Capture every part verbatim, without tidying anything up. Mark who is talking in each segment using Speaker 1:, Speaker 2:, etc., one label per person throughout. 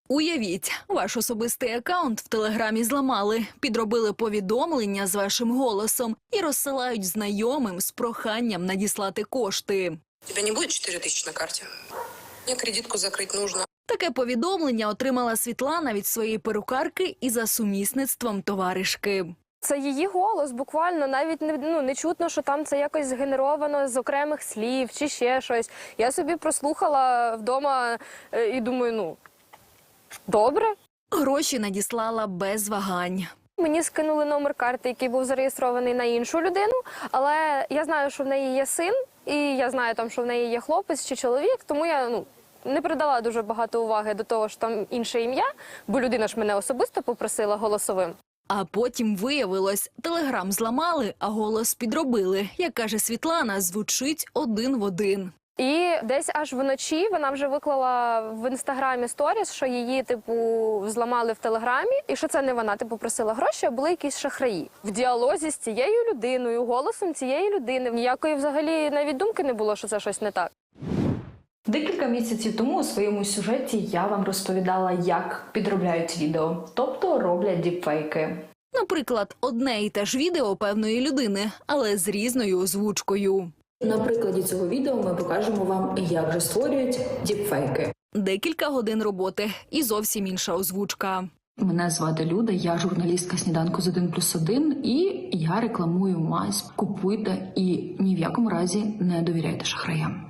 Speaker 1: Уявіть, ваш особистий акаунт в Телеграмі зламали, підробили повідомлення з вашим голосом і розсилають знайомим з проханням надіслати кошти.
Speaker 2: У тебе не буде чотири тисячі на карті? Мені кредитку закрити потрібно.
Speaker 1: Таке повідомлення отримала Світлана від своєї перукарки і за сумісництвом товаришки.
Speaker 3: Це її голос, буквально, навіть не, ну, не чутно, що там це якось згенеровано з окремих слів чи ще щось. Я собі прослухала вдома е, і думаю, ну, добре.
Speaker 1: Гроші надіслала без вагань.
Speaker 3: Мені скинули номер карти, який був зареєстрований на іншу людину, але я знаю, що в неї є син, і я знаю, там, що в неї є хлопець чи чоловік, тому я, ну, не придала дуже багато уваги до того, що там інше ім'я, бо людина ж мене особисто попросила голосовим.
Speaker 1: А потім виявилось, Телеграм зламали, а голос підробили. Як каже Світлана, звучить один в один.
Speaker 3: І десь аж вночі вона вже виклала в інстаграмі сторіс, що її, типу, зламали в Телеграмі, і що це не вона, типу, просила гроші, а були якісь шахраї. В діалозі з цією людиною, голосом цієї людини, ніякої взагалі навіть думки не було, що це щось не так.
Speaker 4: Декілька місяців тому у своєму сюжеті я вам розповідала, як підробляють відео, тобто роблять діпфейки.
Speaker 1: Наприклад, одне і те ж відео певної людини, але з різною озвучкою.
Speaker 4: На прикладі цього відео ми покажемо вам, як же створюють діпфейки.
Speaker 1: Декілька годин роботи і зовсім інша озвучка.
Speaker 4: Мене звати Люда, я журналістка «Сніданку з один плюс один» і я рекламую мазь. Купуйте і ні в якому разі не довіряйте шахраям.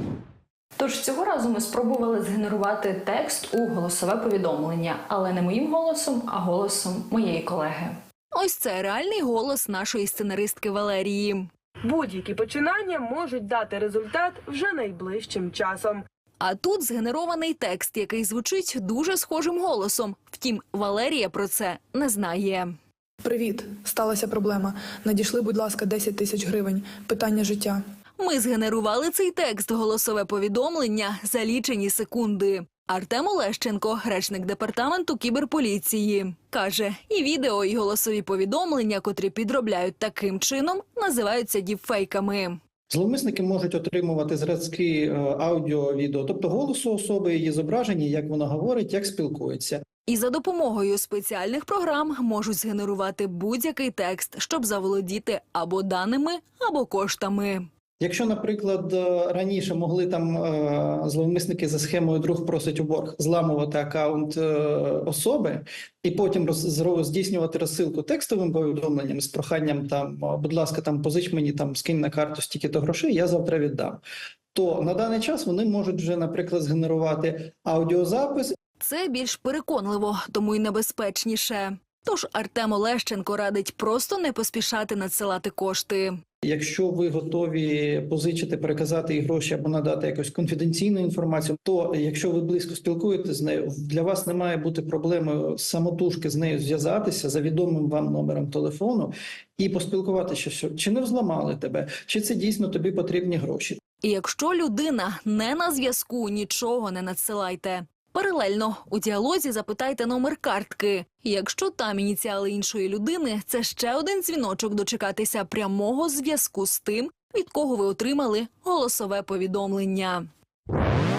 Speaker 4: Тож цього разу ми спробували згенерувати текст у голосове повідомлення, але не моїм голосом, а голосом моєї колеги.
Speaker 1: Ось це реальний голос нашої сценаристки Валерії.
Speaker 5: Будь-які починання можуть дати результат вже найближчим часом.
Speaker 1: А тут згенерований текст, який звучить дуже схожим голосом. Втім, Валерія про це не знає.
Speaker 6: Привіт, сталася проблема. Надійшли, будь ласка, десять тисяч гривень. Питання життя.
Speaker 1: Ми згенерували цей текст, голосове повідомлення, за лічені секунди. Артем Олещенко, речник департаменту кіберполіції, каже, і відео, і голосові повідомлення, котрі підробляють таким чином, називаються діпфейками.
Speaker 7: Зловмисники можуть отримувати зразки аудіо, відео, тобто голосу особи, її зображення, як вона говорить, як спілкується.
Speaker 1: І за допомогою спеціальних програм можуть згенерувати будь-який текст, щоб заволодіти або даними, або коштами.
Speaker 7: Якщо, наприклад, раніше могли там зловмисники за схемою «друг просить у борг» зламувати акаунт особи і потім роз, здійснювати розсилку текстовим повідомленням з проханням там, будь ласка, там позич мені, там скинь на карту стільки-то грошей, я завтра віддам, то на даний час вони можуть вже, наприклад, згенерувати аудіозапис.
Speaker 1: Це більш переконливо, тому й небезпечніше. Тож Артем Олещенко радить просто не поспішати надсилати кошти.
Speaker 7: Якщо ви готові позичити, переказати їй гроші або надати якусь конфіденційну інформацію, то якщо ви близько спілкуєтеся з нею, для вас не має бути проблеми самотужки з нею зв'язатися за відомим вам номером телефону і поспілкуватися, що чи не взламали тебе, чи це дійсно тобі потрібні гроші.
Speaker 1: І якщо людина не на зв'язку, нічого не надсилайте. Паралельно у діалозі запитайте номер картки. Якщо там ініціали іншої людини, це ще один дзвіночок дочекатися прямого зв'язку з тим, від кого ви отримали голосове повідомлення.